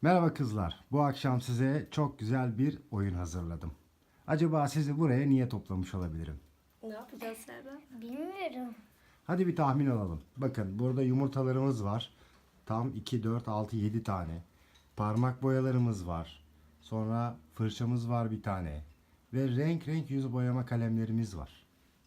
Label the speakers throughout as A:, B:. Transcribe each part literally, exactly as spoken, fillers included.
A: Merhaba kızlar. Bu akşam size çok güzel bir oyun hazırladım. Acaba sizi buraya niye toplamış olabilirim?
B: Ne yapacağız Serdar?
C: Bilmiyorum.
A: Hadi bir tahmin alalım. Bakın burada yumurtalarımız var. Tam iki, dört, altı, yedi tane. Parmak boyalarımız var. Sonra fırçamız var bir tane. Ve renk renk yüz boyama kalemlerimiz var.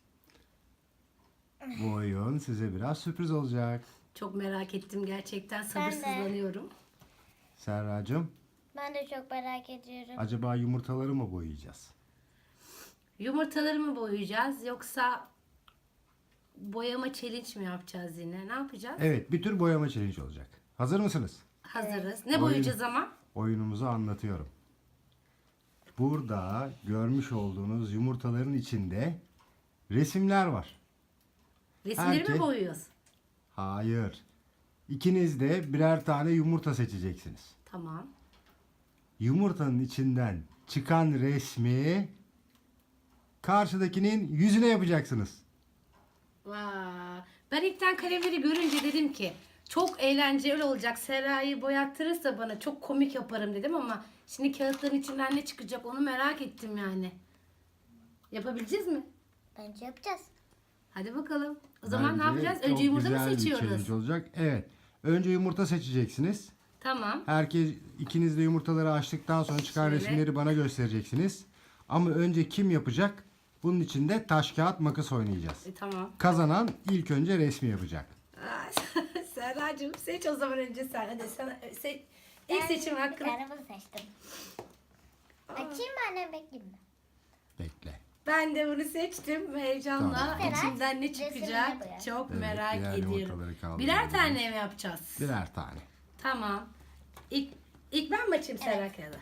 A: Bu oyun size biraz sürpriz olacak.
B: Çok merak ettim gerçekten.
C: Ben de.
B: Sabırsızlanıyorum.
A: Serracığım,
C: Ben de çok merak ediyorum.
A: acaba yumurtaları mı boyayacağız?
B: Yumurtaları mı boyayacağız yoksa boyama challenge mi yapacağız yine? Ne yapacağız?
A: Evet, bir tür boyama challenge olacak. Hazır mısınız?
B: Hazırız. Ne
A: Oyun-
B: boyayacağız ama?
A: Oyunumuzu anlatıyorum. Burada görmüş olduğunuz yumurtaların içinde resimler var.
B: Resimleri
A: Herkes-
B: mi boyuyoruz?
A: Hayır. İkiniz de birer tane yumurta seçeceksiniz.
B: Tamam.
A: Yumurtanın içinden çıkan resmi karşıdakinin yüzüne yapacaksınız.
B: Vay. Ben ilkten kalemleri görünce dedim ki çok eğlenceli olacak. Serra'yı boyattırırsa bana çok komik yaparım dedim ama şimdi kağıtların içinden ne çıkacak onu merak ettim yani. Yapabileceğiz mi?
C: Bence yapacağız.
B: Hadi bakalım. O zaman ne
A: Bence
B: yapacağız?
A: çok
B: Önce yumurta mı
A: güzel bir
B: seçiyoruz?
A: challenge olacak. Evet. Önce yumurta seçeceksiniz.
B: Tamam.
A: Herkes ikiniz de yumurtaları açtıktan sonra çıkan
B: Şöyle.
A: resimleri bana göstereceksiniz. Ama önce kim yapacak? Bunun için de taş kağıt makas oynayacağız.
B: E, tamam.
A: Kazanan ilk önce resmi yapacak.
B: Aa, Serracığım seç o zaman önce sen. Hadi sana seç. İlk
C: Ben
B: seçim
C: bir
B: hakkını.
C: tane bunu seçtim. Açayım mı annem bekleyeyim mi?
A: Bekle.
B: Ben de bunu seçtim. Heyecanla
A: Tamam.
B: içinden ne
C: Resimleri
B: çıkacak
C: boyar.
B: çok
A: Evet,
B: merak
A: diğer
B: ediyorum.
A: yumurtaları kaldırıyoruz.
B: Birer tane mi yapacağız?
A: Birer tane.
B: Tamam. İlk, ilk ben mi açayım Serra kağıdı?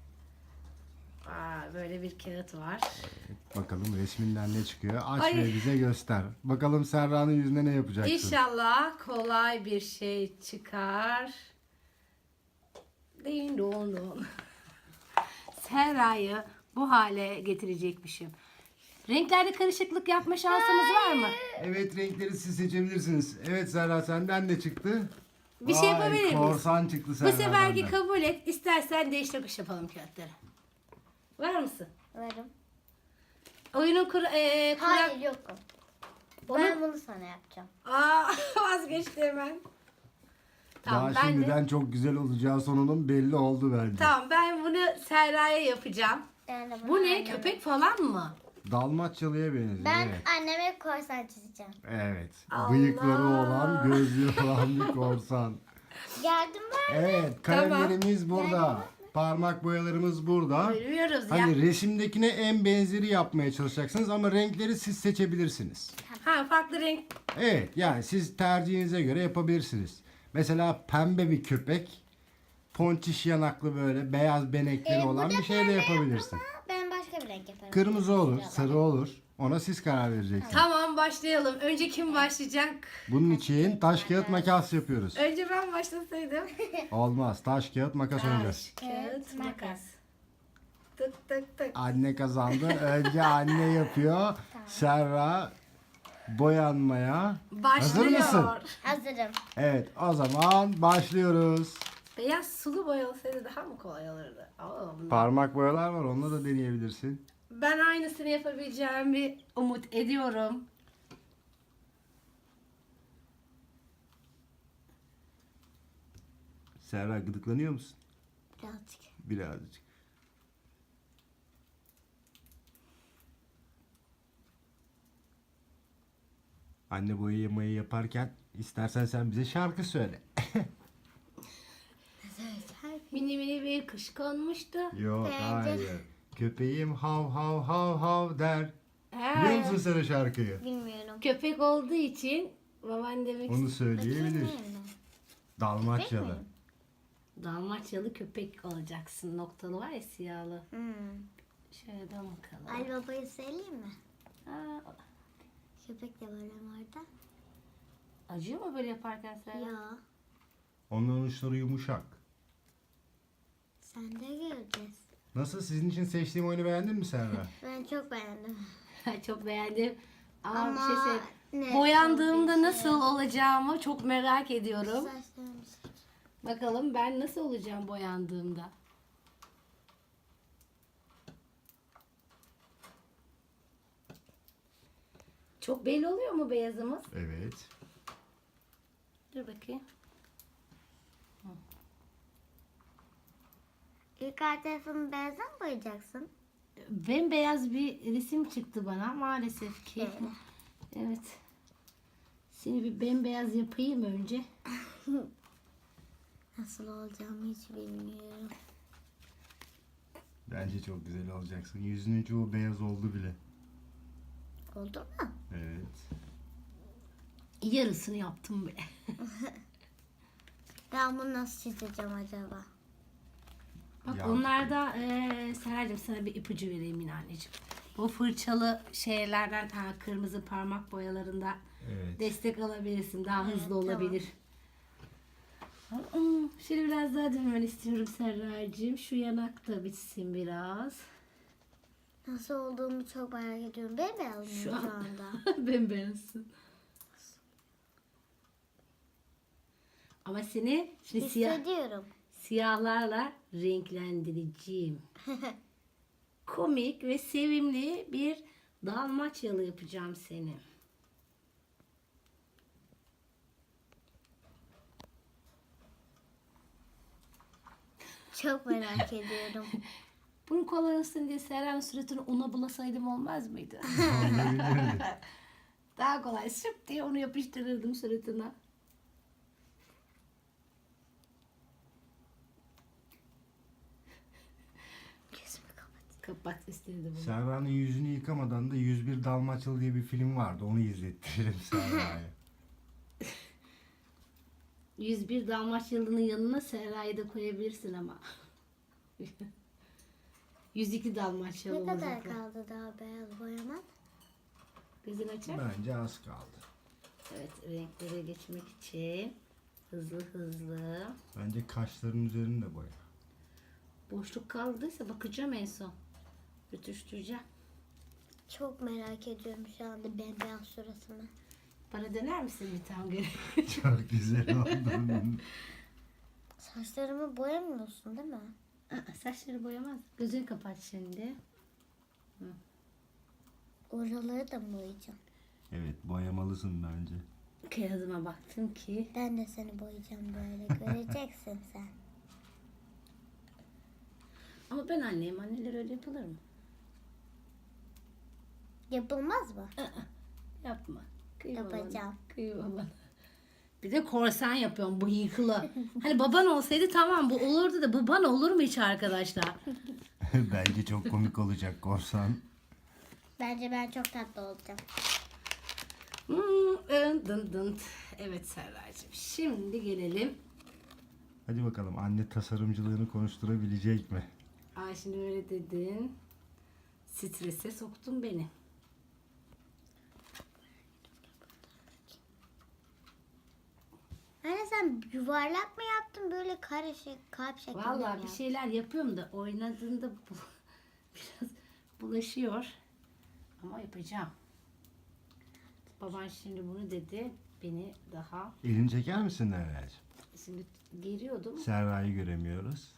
B: Aa, böyle bir kağıt var.
A: Bakalım resminden ne çıkıyor. Aç
B: Ay.
A: ve bize göster. Bakalım Serra'nın yüzüne ne yapacaksın?
B: İnşallah kolay bir şey çıkar. Din don don. Serra'yı bu hale getirecekmişim. Renklerde karışıklık yapma şansımız var mı?
A: Evet, renkleri siz seçebilirsiniz. Evet Serra, senden de çıktı.
B: Bir şey
A: Vay,
B: yapabilir miyiz?
A: Korsan çıktı
B: Bu
A: Serra'dan
B: seferki
A: da.
B: kabul et. İstersen değiş tokuş yapalım kağıtları. Var mısın?
C: Varım.
B: Oyunun kur, e, kural...
C: Hayır yokum.
B: Onu-
C: Ben bunu sana yapacağım.
B: Aa, vazgeçti hemen. Tamam
A: Daha
B: ben
A: şimdiden
B: de.
A: çok güzel olacağı sonunun belli oldu bence.
B: Tamam ben bunu Serra'ya yapacağım.
C: Ben de bunu
B: Bu ne?
C: anneme-
B: Köpek falan mı?
A: Dalmaçyalı'ya benziyor.
C: Ben
A: Evet.
C: anneme korsan çizeceğim.
A: Evet.
B: Allah!
A: Bıyıkları olan, gözlüğü olan bir korsan.
C: Yardım var.
A: Evet, kalemlerimiz burada. Parmak boyalarımız burada.
B: Bilmiyoruz ya.
A: Hani resimdekine en benzeri yapmaya çalışacaksınız ama renkleri siz seçebilirsiniz.
B: Ha farklı renk.
A: Evet, yani siz tercihinize göre yapabilirsiniz. Mesela pembe bir köpek, ponçiş yanaklı böyle beyaz benekleri
C: Ee,
A: olan
C: burada
A: bir şey de
C: pembe
A: yapabilirsin.
C: Ama ben başka bir renk yaparım.
A: Kırmızı olur,
C: Şurada.
A: sarı olur. Ona siz karar vereceksiniz.
B: Tamam başlayalım. Önce kim başlayacak?
A: Bunun için taş kağıt makas yapıyoruz.
B: Önce ben başlasaydım.
A: Olmaz. Taş kağıt makas oynayacağız.
B: Taş, kağıt, makas. Tık tık tık.
A: Anne kazandı. Önce anne yapıyor. Serra boyanmaya.
B: Başlıyor.
A: Hazır mısın?
C: Hazırım.
A: Evet, o zaman başlıyoruz.
B: Beyaz sulu boya olsaydı daha mı kolay olurdu? Oo, bunlar-
A: Parmak boyalar var. Onunla da deneyebilirsin.
B: Ben aynısını yapabileceğimi umut ediyorum.
A: Serra, gıdıklanıyor musun?
C: Birazcık.
A: Birazcık. Anne boyamayı yaparken istersen sen bize şarkı söyle.
B: Mini mini bir kış konmuştu.
A: Yok,
C: Bence-
A: hayır. Köpeğim hav hav hav hav der.
B: He.
A: Biliyor musun sen o şarkıyı?
C: Bilmiyorum.
B: Köpek olduğu için baban demek
A: Onu söyleyebilir.
C: Bilmiyorum.
A: Dalmaçyalı.
B: Dalmaçyalı köpek olacaksın. Noktalı var ya siyahlı.
C: Hmm.
B: Şöyle de bakalım.
C: Ali Baba'yı söyleyeyim mi?
B: Aa,
C: Köpek de böyle orada.
B: acıyor mu böyle yaparken sen?
C: Ya.
A: Onların uçları yumuşak.
C: Sen de göreceğiz.
A: Nasıl? Sizin için seçtiğim oyunu beğendin mi Serra?
C: Ben çok beğendim.
B: Çok beğendim. Ama,
C: Ama
B: bir şey söyleyeyim.
C: ne
B: Boyandığımda
C: çok bir
B: nasıl olacağımı çok merak ediyorum.
C: Saçlarımı seç.
B: Bakalım ben nasıl olacağım boyandığımda. Çok belli oluyor mu beyazımız?
A: Evet.
B: Dur bakayım.
C: İlk alt tarafını beyaza mı boyayacaksın?
B: Bembeyaz bir resim çıktı bana maalesef ki. Evet. Seni bir bembeyaz yapayım önce.
C: Nasıl olacağımı hiç bilmiyorum.
A: Bence çok güzel olacaksın. Yüzünün çoğu beyaz oldu bile.
C: Oldu mu?
A: Evet.
B: Yarısını yaptım bile.
C: Ben bunu nasıl çizeceğim acaba?
B: Bak
A: Ya.
B: onlarda eee Seracığım sana bir ipucu vereyim yine anneciğim. Bu fırçalı şeylerden ha, kırmızı parmak boyalarında
A: Evet.
B: destek alabilirsin. Daha
C: Evet,
B: hızlı
C: tamam.
B: olabilir. Aa, Şöyle biraz daha dönmen istiyorum Serracığım. Şu yanak da bitsin biraz.
C: Nasıl olduğumu çok merak ediyorum. Bembeyaz mıyım
B: Şu
C: şu,
B: an-
C: anda?
B: Bembeyazsın. Ama seni şimdi siyah,
C: Hissediyorum.
B: siyahlarla renklendireceğim. Komik ve sevimli bir dalmaçyalı yapacağım seni.
C: Çok merak ediyorum.
B: Bunun kolay olsun diye Serra'nın suratını una bulasaydım olmaz mıydı?
A: Olabilirdi.
B: Daha kolay sıp diye onu yapıştırırdım suratına.
C: Gözümü kapat.
B: Kapat istedim bunu.
A: Serra'nın yüzünü yıkamadan da yüz bir Dalmaçyalı diye bir film vardı. Onu izlettiririm Serra'ya.
B: yüz bir Dalmaçyalı'nın yanına Serra'yı da koyabilirsin ama. yüz iki Dalmaçyalı
C: Ne kadar
B: olacaklar.
C: kaldı daha beyaz boyama?
B: Gözün açar.
A: Bence az kaldı.
B: Evet, renklere geçmek için hızlı hızlı.
A: Bence kaşların üzerinde de boya.
B: Boşluk kaldıysa bakacağım en son. Rütüştüreceğim.
C: Çok merak ediyorum şu anda bembeyaz suratını.
B: Bana döner misin bir tane göre?
A: Çok güzel oldu.
C: Saçlarımı boyamıyorsun değil mi?
B: Aa, Saçları boyamaz. Gözünü kapat şimdi.
C: Oraları da mı boyayacağım?
A: Evet, boyamalısın bence.
B: Kağıdıma baktım ki
C: Ben de seni boyayacağım böyle. Göreceksin sen.
B: ama ben anneyim. Anneler öyle yapılır mı?
C: Yapılmaz mı?
B: Yapma. Kıyma bana.
C: Yapacağım.
B: Kıyma bana. Bir de korsan yapıyorum bıyıklı. Hani baban olsaydı tamam bu olurdu da baban olur mu hiç arkadaşlar?
A: Bence çok komik olacak korsan.
C: Bence ben çok tatlı olacağım.
B: Hmm, ın dın dın. Evet Serracığım. Şimdi gelelim.
A: Hadi bakalım anne tasarımcılığını konuşturabilecek mi?
B: Ay şimdi öyle dedin. Strese soktun beni.
C: Anne sen yuvarlak mı yaptın böyle karışık kalp şeklinde mi
B: Vallahi bir
C: yaptın?
B: şeyler yapıyorum da oynadığında bu, biraz bulaşıyor. Ama yapacağım. Baban şimdi bunu dedi. Beni daha
A: Elini çeker misin Nerel'cim?
B: şimdi geriyordum.
A: Serra'yı göremiyoruz.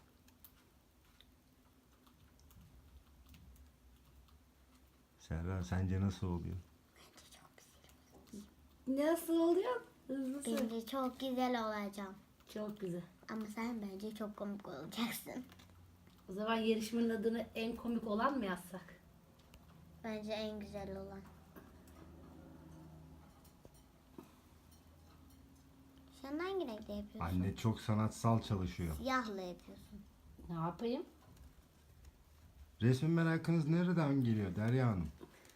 A: Serra sence nasıl oluyor?
B: Nasıl oluyor? Hızlı söyle.
C: Bence çok güzel olacağım.
B: Çok güzel.
C: Ama sen bence çok komik olacaksın.
B: O zaman yarışmanın adını en komik olan mı yazsak?
C: Bence en güzel olan. Sen hangi renkle yapıyorsun?
A: Anne çok sanatsal çalışıyor.
C: Siyahla yapıyorsun.
B: Ne yapayım?
A: Resmin merakınız nereden geliyor Derya Hanım?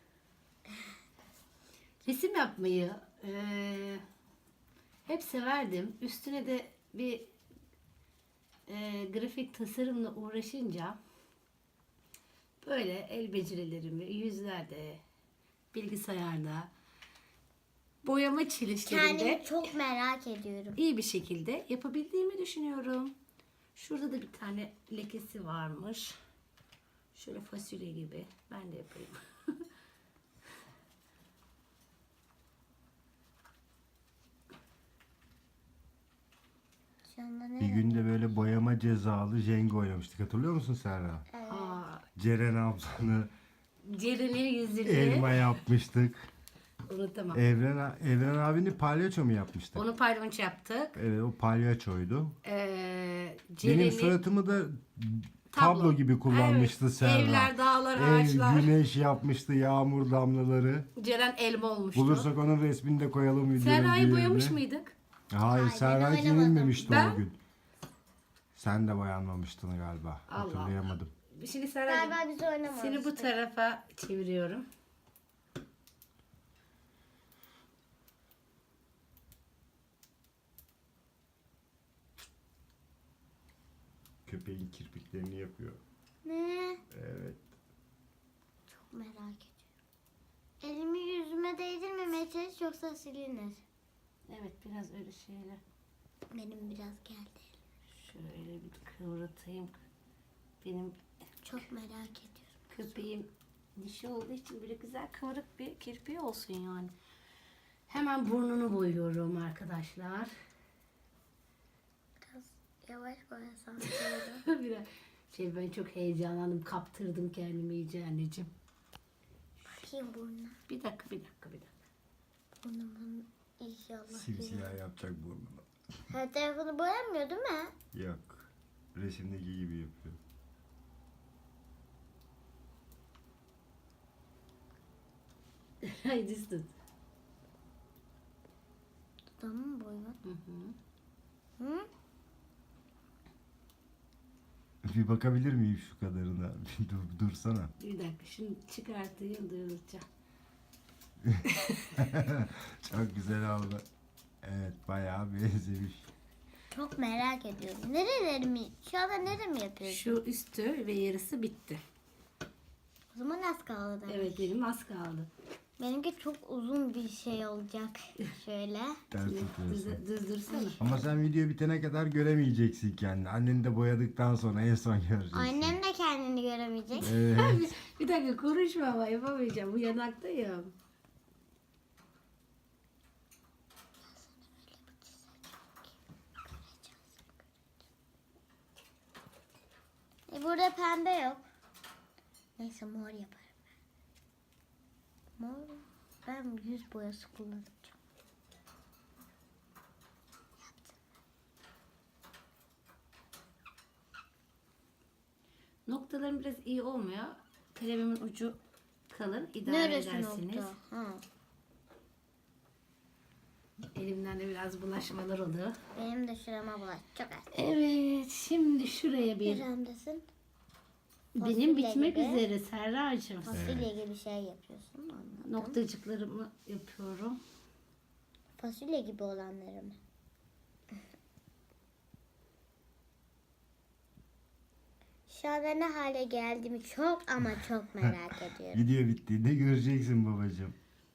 B: Resim yapmayı eee, hep severdim. Üstüne de bir eee, grafik tasarımla uğraşınca böyle el becerilerimi yüzlerde, bilgisayarda, boyama çelişlerinde
C: Kendimi çok merak ediyorum.
B: iyi bir şekilde yapabildiğimi düşünüyorum. Şurada da bir tane lekesi varmış. Şöyle fasulye gibi. Ben de yapayım.
C: Şu Şu anda ne?
A: Bir günde böyle boyama cezalı Jenga oynamıştık. Hatırlıyor musun Serra?
C: Evet.
B: Aa,
A: Ceren ablanı
B: Ceren'in yüzünü
A: elma yapmıştık.
B: unutamam.
A: Evren, Evren abini palyaço mu yapmıştık?
B: Onu palyaço yaptık.
A: Evet, o palyaçoydu.
B: Ee,
A: Benim
B: Ceren'in
A: suratımı da tablo,
B: Tablo.
A: gibi kullanmıştı
B: Evet,
A: Serra.
B: evler, dağlar,
A: Ev,
B: ağaçlar.
A: güneş yapmıştı, yağmur damlaları.
B: Ceren elma olmuştu.
A: Bulursak onun resmini de koyalım videonun
B: Serra'yı
A: bir
B: boyamış
A: yerine.
B: mıydık?
A: Hayır,
C: Hayır,
A: Serra
C: ben
A: hiç
C: oynamadım.
A: yenilmemişti
B: Ben-
A: o gün. Sen de boyanmamıştın galiba.
B: Allah
A: Hatırlayamadım.
B: Şimdi Serra'cığım
C: Galiba biz oynamamıştık.
B: seni bu tarafa çeviriyorum.
A: Köpeğin kirpiklerini yapıyor.
C: Ne?
A: Evet.
C: Çok merak ediyorum. Elimi yüzüme değdirmemeye çalış yoksa silinir.
B: Evet, biraz öyle şeyler.
C: Benim biraz geldi.
B: Şöyle bir kıvırtayım. Benim
C: Çok merak ediyorum.
B: köpeğim dişi olduğu için böyle güzel kıvırık bir kirpiği olsun yani. Hemen burnunu boyuyorum arkadaşlar.
C: Biraz yavaş boyasam böyle.
B: Biraz şey, ben çok heyecanlandım, kaptırdım kendimi iyice anneciğim.
C: Bakayım burnuna.
B: Bir dakika, bir dakika, bir dakika.
C: Burnumun inşallah.
A: Simsiyah yapacak burnunu.
C: Her tarafını boyamıyor değil mi?
A: Yok. Resimdeki gibi yapıyor.
B: Haydi düz tut.
C: Dudağımı mı boyuyor?
B: Hı hı.
C: Hı?
A: Bir bakabilir miyim şu kadarına? Bir dur, dursana.
B: Bir dakika, şunu çıkartayım, duyuracağım.
A: Çok güzel oldu. Evet, bayağı benzemiş.
C: Çok merak ediyorum. Nerelerimi, şu anda neremi yapıyorsun?
B: Şu üstü ve yarısı bitti.
C: O zaman az kaldı. demek.
B: Evet, benim az kaldı.
C: Benimki çok uzun bir şey olacak. Şöyle.
A: Ters tutuyorsun.
B: Düz, düz dursana.
A: Ama sen video bitene kadar göremeyeceksin kendini. Anneni de boyadıktan sonra en son göreceksin.
C: Annem de kendini göremeyecek.
A: Evet.
B: Bir dakika, konuşma ama yapamayacağım. Bu yanaktayım.
C: E burada pembe yok. Neyse mor yaparım ben. Mor. Ben yüz boyası kullanacağım.
B: Noktalarım biraz iyi olmuyor. Kalemimin ucu kalın. İdare
C: Neresi
B: edersiniz.
C: nokta? Ha.
B: Elimden de biraz bulaşmalar oluyor.
C: Benim de şurama bulaş. Çok az.
B: Evet, şimdi şuraya bir...
C: Neremdesin?
B: Benim
C: fasulye
B: bitmek
C: gibi.
B: üzere Serracığım.
C: Fasulye gibi şey yapıyorsun. Anladım.
B: Noktacıklarımı yapıyorum.
C: Fasulye gibi olanları mı? Şu anda ne hale geldiğimi çok ama çok merak ediyorum.
A: Video bittiğinde göreceksin babacığım.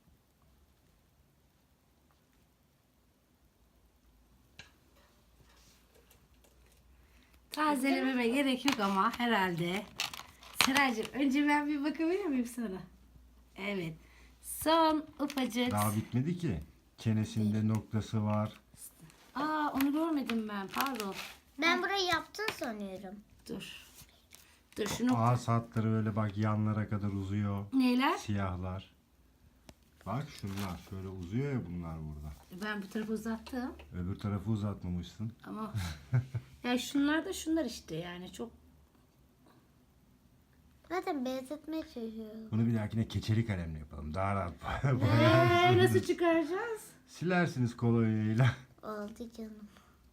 B: Tazelememe gerek yok ama herhalde. Serracığım, önce ben bir bakabilir miyim sana? Evet. Son ufacık.
A: Daha bitmedi ki. Çenesinde noktası var.
B: Aa, onu görmedim ben. Pardon.
C: Ben burayı yaptın sanıyorum.
B: Dur. Dur şunu.
A: Ağız hatları böyle bak yanlara kadar uzuyor.
B: Neyler?
A: Siyahlar. Bak şunlar şöyle uzuyor ya bunlar burada.
B: Ben bu tarafı uzattım.
A: Öbür tarafı uzatmamışsın.
B: Ama ya şunlar da şunlar işte, yani çok.
C: Zaten benzetmeye çalışıyorum.
A: Bunu bir dahakine keçeli kalemle yapalım. Daha rahat
B: Ee,
A: boyarsınız.
B: nasıl çıkaracağız?
A: Silersiniz kolonyayla.
C: Oldu canım.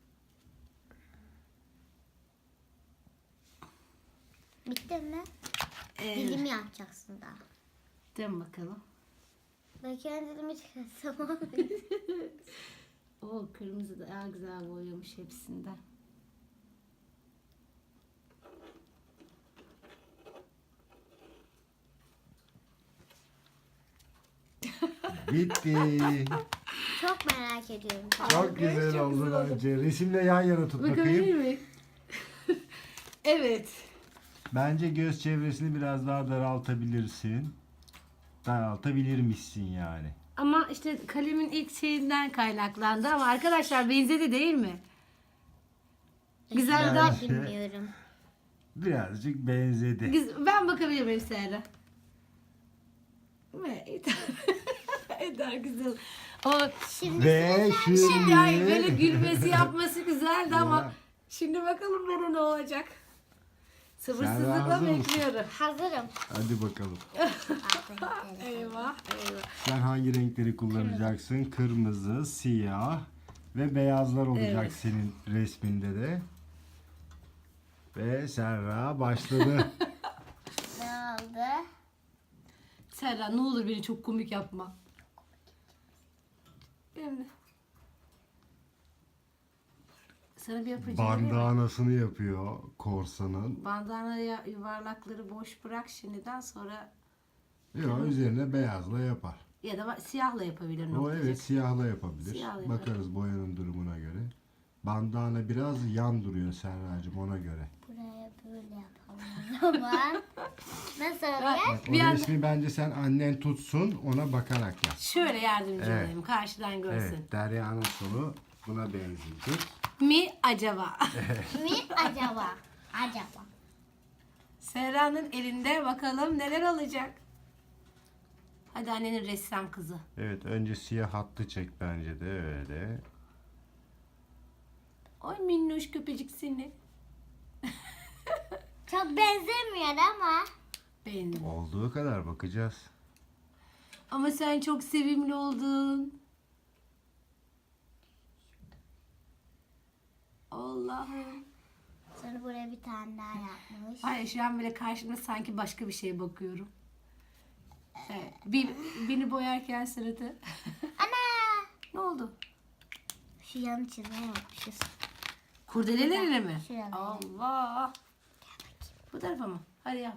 C: Bitti mi?
B: Ee,
C: Dilimi yapacaksın daha.
B: dön bakalım.
C: Belki ben dilimi çıkarsam.
B: O kırmızı da daha güzel boyamış hepsinden.
A: Bitti.
C: Çok merak ediyorum.
A: Çok güzel
B: çok
A: oldu
B: güzel oldu.
A: bence. Resimle yan yana tut
B: Bakabilir
A: bakayım.
B: miyim? Evet.
A: Bence göz çevresini biraz daha daraltabilirsin. Daraltabilirmişsin yani.
B: Ama işte kalemin ilk şeyinden kaynaklandı ama arkadaşlar benzedi değil mi? Güzel
C: Ben
B: daha.
C: bilmiyorum.
A: Birazcık benzedi.
B: Güz- Ben bakabilir miyim Serra? Ve Eder. Eder güzel. O
C: Şimdi
A: Ve
B: şimdi
A: şimdi
B: ay böyle gülmesi yapması güzeldi ama
A: Ya.
B: şimdi bakalım bana ne olacak.
A: Sen
B: Sabırsızlıkla
A: hazır mısın?
B: bekliyorum.
C: hazırım.
A: hadi bakalım.
B: Eyvah eyvah.
A: Sen hangi renkleri kullanacaksın? Kırmızı, siyah ve beyazlar olacak
B: Evet.
A: senin resminde de. Ve Serra başladı.
C: Ne oldu?
B: Serra ne olur beni çok komik yapma. Şimdi. Sana bir yapacağım.
A: Bandanasını yapıyor korsanın.
B: Bandana ya- yuvarlakları boş bırak şimdiden sonra
A: Yok, üzerine beyazla yapar.
B: ya da siyahla yapabilir
A: O
B: noktacık.
A: evet, siyahla yapabilir.
B: Siyahla yapar.
A: Bakarız boyanın durumuna göre. Bandana biraz yan duruyor Serracığım, ona göre.
C: Buraya böyle yapalım o zaman. Nasıl oluyor?
A: O
B: Bir anda-
A: resmi bence sen annen tutsun, ona bakarak yap.
B: Şöyle yardımcı
A: Evet.
B: olayım karşıdan görsün.
A: Evet, Derya'nın sonu buna benzeyecek.
B: Mi acaba?
C: Mi acaba? Acaba.
B: Serra'nın elinde bakalım neler olacak. Hadi annenin ressam kızı.
A: Evet, önce siyah hattı çek bence de öyle.
B: Oy minnoş köpecik seni.
C: Çok benzemiyor ama.
B: Beğendim.
A: Olduğu kadar bakacağız.
B: Ama sen çok sevimli oldun. Allah'ım.
C: Sonra buraya bir tane daha yapmış.
B: Hayır şu an böyle karşımda sanki başka bir şeye bakıyorum. Evet, bir, beni boyarken sırada.
C: Ana!
B: Ne oldu?
C: Şu yan çizme yapmışız.
B: Kurdelelerine mi?
C: Şuraya.
B: Allah. Bu tarafa mı? Hadi yap.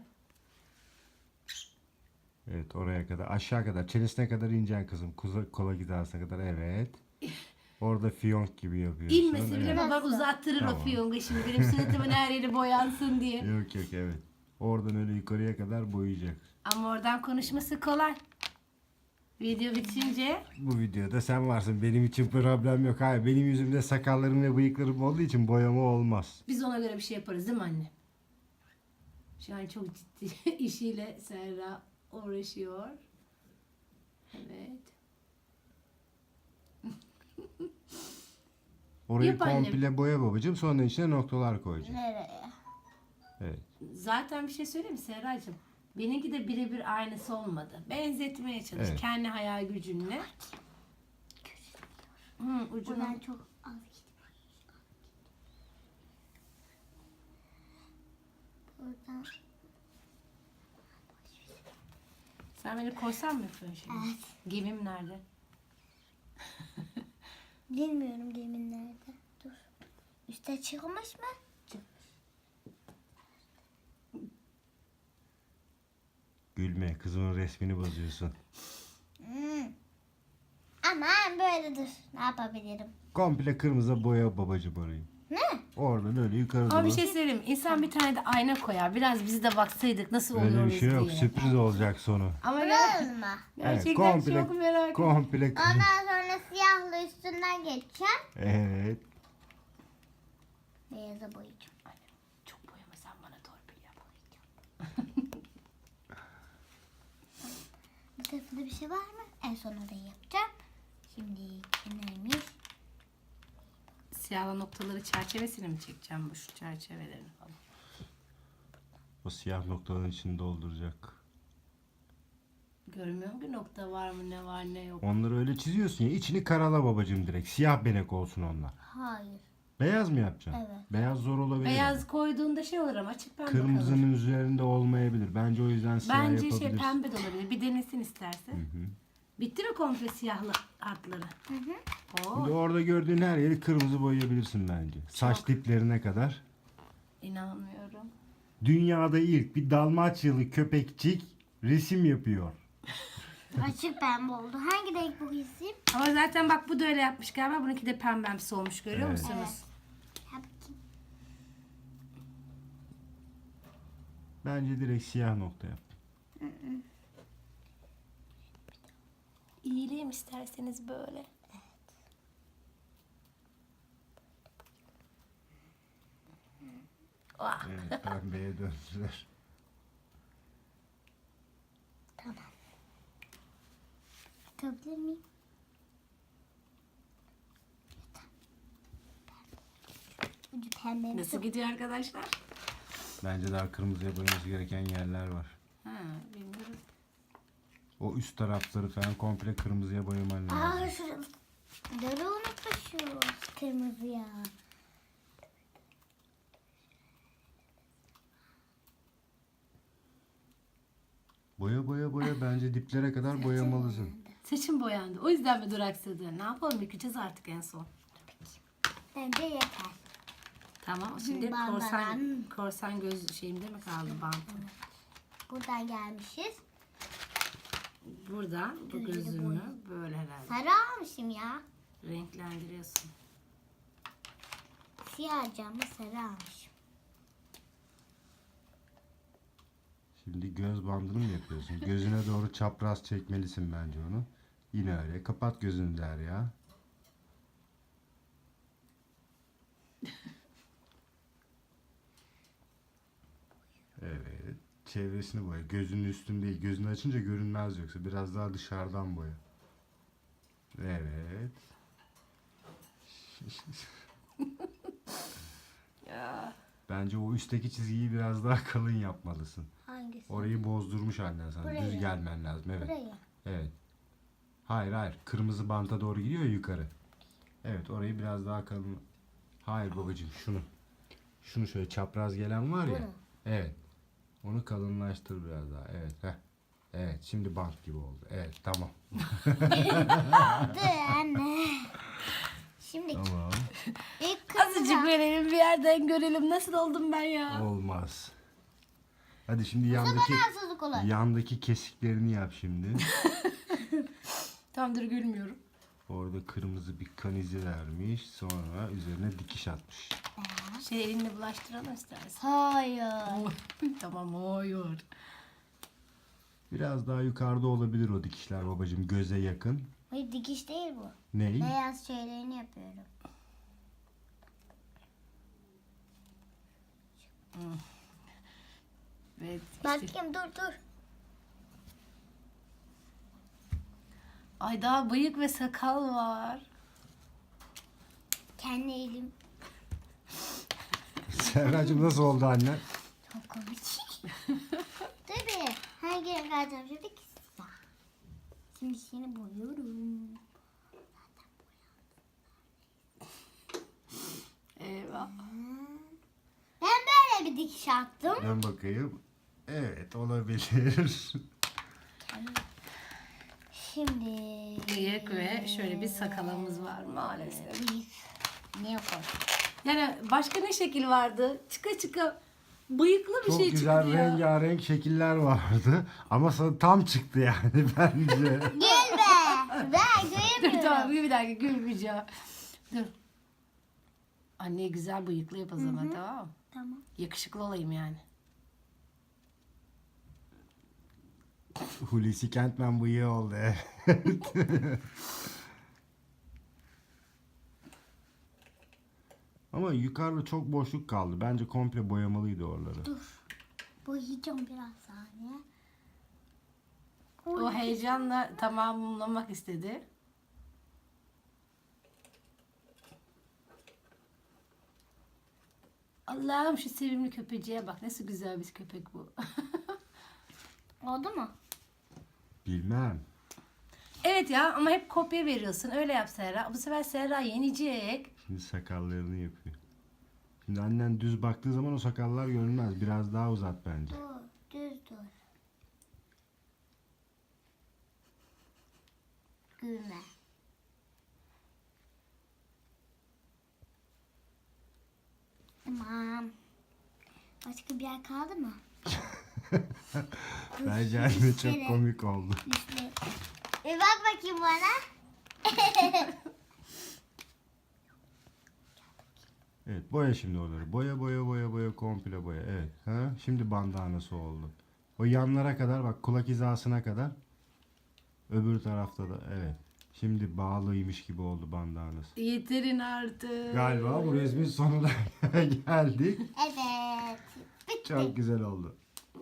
A: Evet, oraya kadar, aşağı kadar, çenesine kadar ineceksin kızım. Kuza, kola hizasına kadar, evet. Orada fiyonk gibi yapıyorsun.
B: İnmesi bile
A: evet.
B: baban uzattırır
A: Tamam.
B: o fiyongu şimdi. Benim suratımın her yeri boyansın diye.
A: Yok yok, evet. Oradan öyle yukarıya kadar boyayacak.
B: Ama oradan konuşması kolay. Video bitince
A: Bu videoda sen varsın. Benim için problem yok. Hayır, benim yüzümde sakallarım ve bıyıklarım olduğu için boyama olmaz.
B: biz ona göre bir şey yaparız değil mi anne? Şu an çok ciddi işiyle Serra uğraşıyor. Evet.
A: Orayı
B: Yap annem.
A: komple boya babacığım. Sonra içine noktalar koyacağım.
C: Nereye?
A: Evet.
B: Zaten bir şey söyleyeyim mi Serracığım? Benimki de birebir aynısı olmadı. Benzetmeye çalış.
A: Evet.
B: Kendi hayal gücünle. Hı, ucunu.
C: Buradan çok az gitti. Buradan.
B: Sen beni korsan mı yapıyorsun şimdi?
C: Evet.
B: Gemim nerede?
C: Bilmiyorum gemin nerede. Dur. Üste çıkmış mı?
A: Gülme. Kızımın resmini bozuyorsun.
C: Hmm. Aman böyle dur. Ne yapabilirim?
A: Komple kırmızı boya babacığım orayı.
C: Ne?
A: Oradan öyle yukarı
B: Ama bir
A: doğru.
B: şey söyleyeyim mi? İnsan bir tane de ayna koyar. Biraz biz de baksaydık nasıl
A: Öyle
B: oluyoruz
A: bir şey yok.
B: diye.
A: Sürpriz olacak sonu.
B: Ama ger-
C: Burası mı?
B: gerçekten
A: komple,
B: çok merak ediyorum.
A: komple.
C: Ondan sonra siyahla üstünden geçeceğim.
A: Evet.
C: Beyaza boyayacağım.
B: Çok boyama sen bana torpil yap.
C: Bu tarafında bir şey var mı? En son orayı yapacağım. Şimdi neymiş?
B: Siyahla noktaları çerçevesini mi çekeceğim bu şu çerçevelerini falan?
A: O siyah noktaların içini dolduracak.
B: Görmüyorum ki nokta var mı ne var ne yok.
A: Onları öyle çiziyorsun ya. İçini karala babacığım direkt. Siyah benek olsun onlar.
C: Hayır.
A: Beyaz mı yapacaksın?
C: Evet.
A: Beyaz zor olabilir.
B: Beyaz koyduğunda şey olur ama açık pembe kalır.
A: Kırmızının üzerinde olmayabilir. Bence o yüzden siyah
B: Bence şey
A: yapabilirsin.
B: pembe de olabilir. Bir denesin istersen. Bitti mi komple siyahlı hatları?
C: Hı hı.
B: Oo,
A: Şimdi orada gördüğün her yeri kırmızı boyayabilirsin bence. Saç diplerine kadar.
B: inanmıyorum.
A: Dünyada ilk bir Dalmaçyalı köpekçik resim yapıyor.
C: Açık pembe oldu. Hangi renk bu isim?
B: Ama zaten bak bu da öyle yapmış galiba. Bununki de pembemsi olmuş görüyor
A: Evet.
B: musunuz?
C: Evet. Ha, bakayım.
A: Bence direkt siyah nokta yap.
B: İyileyim isterseniz böyle. Ah.
A: Evet, pembeye döndüler.
C: Tutabilir miyim? Ucu pembe.
B: Nasıl gidiyor arkadaşlar?
A: Bence daha kırmızıya boyaması gereken yerler var.
B: Ha, bilmiyorum.
A: O üst tarafları falan komple kırmızıya boyaman lazım.
C: Aa şurada. Ları unutmuşuz. Kırmızı ya.
A: Boya boya boya bence diplere kadar boyamalısın.
B: Saçım boyandı. O yüzden mi duraksadın? Ne yapalım? Yıkayacağız artık en son.
C: Bence yeter.
B: Tamam. Şimdi
C: Bandanan.
B: korsan korsan göz şeyimde mi kaldı bantım?
C: Buradan gelmişiz.
B: Buradan bu
C: Gözünü
B: gözümü
C: boya.
B: böyle herhalde
C: Sarı almışım ya.
B: renklendiriyorsun.
C: Siyah camı sarı almışım.
A: Şimdi göz bandını mı yapıyorsun? Gözüne doğru çapraz çekmelisin bence onu. Yine öyle. Kapat gözünü der ya. Evet. Çevresini boya. Gözünün üstünde değil. Gözünü açınca görünmez yoksa. Biraz daha dışarıdan boya. Evet.
B: Ya.
A: Bence o üstteki çizgiyi biraz daha kalın yapmalısın.
C: Hangisi?
A: Orayı bozdurmuş annen sana.
C: Burayı.
A: Düz gelmen lazım. Evet.
C: Burayı.
A: Evet. Hayır hayır. Kırmızı banta doğru gidiyor ya yukarı. Evet, orayı biraz daha kalın. Hayır babacığım, şunu. Şunu şöyle çapraz gelen var ya.
C: Bunu.
A: Evet. Onu kalınlaştır biraz daha. Evet. Heh. Evet. Şimdi bant gibi oldu. Evet. Tamam.
C: Dur anne. Şimdi
A: Tamam.
C: ilk kırmızı.
B: Azıcık verelim bir yerden görelim. Nasıl oldum ben ya?
A: Olmaz. Hadi şimdi yandaki
C: Haksızlık olur.
A: yandaki kesiklerini yap şimdi.
B: Tamam dur gülmüyorum.
A: Orada kırmızı bir kanize vermiş. Sonra üzerine dikiş atmış.
B: Şey elinle bulaştıralım istersen.
C: Hayır.
B: Tamam hayır.
A: Biraz daha yukarıda olabilir o dikişler babacığım. Göze yakın.
C: Hayır dikiş değil bu.
A: Ney?
C: Beyaz şeylerini yapıyorum.
B: Evet. işte-
C: Bakayım dur dur.
B: Ay daha bıyık ve sakal var.
C: Kendi elim.
A: Serracığım nasıl oldu anne?
C: Çok komik. Dur bir. Hangi renk alacağım şimdi? Siyah. Şimdi seni boyuyorum.
B: Eyvah.
C: Ben böyle bir dikiş attım.
A: Ben bakayım. Evet, olabilir.
C: Şimdi.
B: Bıyık ve şöyle bir sakalımız var maalesef.
C: Bıyık. Ne yapalım?
B: Yani başka ne şekil vardı? Çıka çıka bıyıklı bir
A: Çok
B: şey
A: güzel
B: çıktı ya.
A: rengarenk şekiller vardı. Ama sana tam çıktı yani bence.
C: Gel be. Ben
B: Dur
C: göremiyorum.
B: tamam bir dakika gülmeyeceğim. Dur. Anne güzel bıyıklı yap o zaman tamam mı?
C: Tamam.
B: Yakışıklı olayım yani.
A: Hulusi Kentmen bıyığı oldu. Ama yukarıda çok boşluk kaldı. Bence komple boyamalıydı oraları.
C: Dur. Boyayacağım biraz saniye.
B: O heyecanla tamamlamak istedi. Allah'ım şu sevimli köpeciğe bak. Nasıl güzel bir köpek bu.
C: Oldu mu?
A: Bilmem.
B: Evet ya ama hep kopya veriyorsun. Öyle yap Serra. Bu sefer Serra yenecek.
A: Şimdi sakallarını yapıyor. Şimdi annen düz baktığı zaman o sakallar görünmez. Biraz daha uzat bence.
C: Dur. Düz dur. Gülme. Tamam. Başka bir yer kaldı mı?
A: Bence anne çok komik oldu.
C: İşte. Bir bak bakayım bana.
A: Evet, boya şimdi oraları. Boya boya boya boya komple boya. Evet. Ha? Şimdi bandanası oldu. O yanlara kadar bak, kulak hizasına kadar. Öbür tarafta da evet. Şimdi bağlıymış gibi oldu bandanız.
B: Yeterin artık.
A: Galiba bu resmin sonuna geldik.
C: Evet. Bitti.
A: Çok güzel oldu.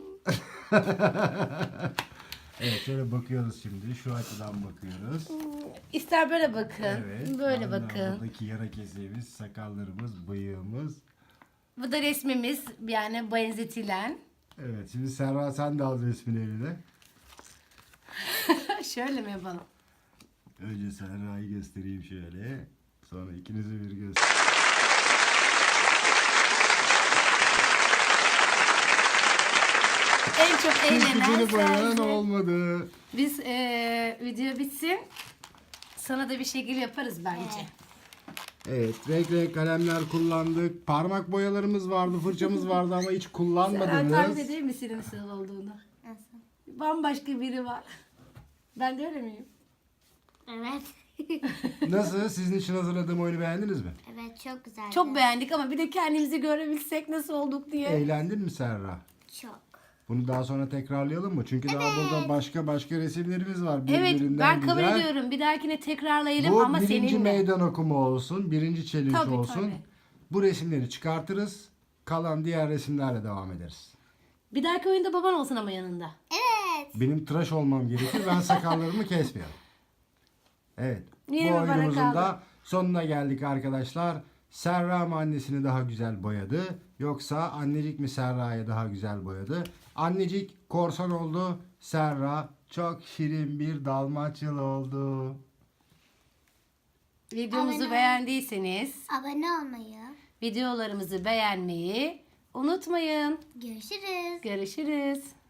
A: Evet, şöyle bakıyoruz şimdi. Şu açıdan bakıyoruz.
B: İster böyle bakın.
A: Evet.
B: Böyle
A: aynen.
B: bakın.
A: Buradaki yara keseğimiz, sakallarımız, bıyığımız.
B: Bu da resmimiz, yani benzetilen.
A: Evet, şimdi Serra sen de al resmini eline.
B: Şöyle mi yapalım?
A: Önce Serra'yı göstereyim şöyle. Sonra ikinizi bir göster.
B: En çok eğlenen
A: Hiçbirini boyayan
B: sensin.
A: olmadı.
B: Biz eee, video bitsin. Sana da bir şekil yaparız bence.
A: Evet, renk renk kalemler kullandık. Parmak boyalarımız vardı, fırçamız vardı ama hiç
B: Sen tahmin
A: kullanmadınız.
B: ediyor musun nasıl olduğunu?
C: Nasıl?
B: Bambaşka biri var. Ben de öyle miyim?
C: Evet.
A: Nasıl? Sizin için hazırladığım oyunu beğendiniz mi?
C: Evet çok güzel.
B: Çok beğendik ama bir de kendimizi görebilsek nasıl olduk diye.
A: Eğlendin mi Serra?
C: Çok.
A: Bunu daha sonra tekrarlayalım mı? Çünkü daha burada başka başka resimlerimiz var.
B: Evet,
A: birbirinden
B: ben kabul
A: güzel.
B: ediyorum. Bir dahakine tekrarlayalım
A: Bu
B: ama
A: birinci
B: seninle.
A: meydan okuma olsun. Birinci challenge
B: Tabii,
A: olsun.
B: tabii.
A: Bu resimleri çıkartırız. Kalan diğer resimlerle devam ederiz.
B: Bir dahaki oyunda baban olsun ama yanında.
C: Evet.
A: Benim tıraş olmam gerekir. Ben sakallarımı kesmiyorum. Evet.
B: Yine
A: bu
B: mi bana
A: oyunumuzun
B: kaldı?
A: da sonuna geldik arkadaşlar. Serra mı annesini daha güzel boyadı? Yoksa annecik mi Serra'yı daha güzel boyadı? Annecik korsan oldu. Serra çok şirin bir dalmaçyalı oldu.
B: Videomuzu
C: Abone ol.
B: beğendiyseniz
C: Abone olmayı.
B: videolarımızı beğenmeyi unutmayın.
C: Görüşürüz.
B: Görüşürüz.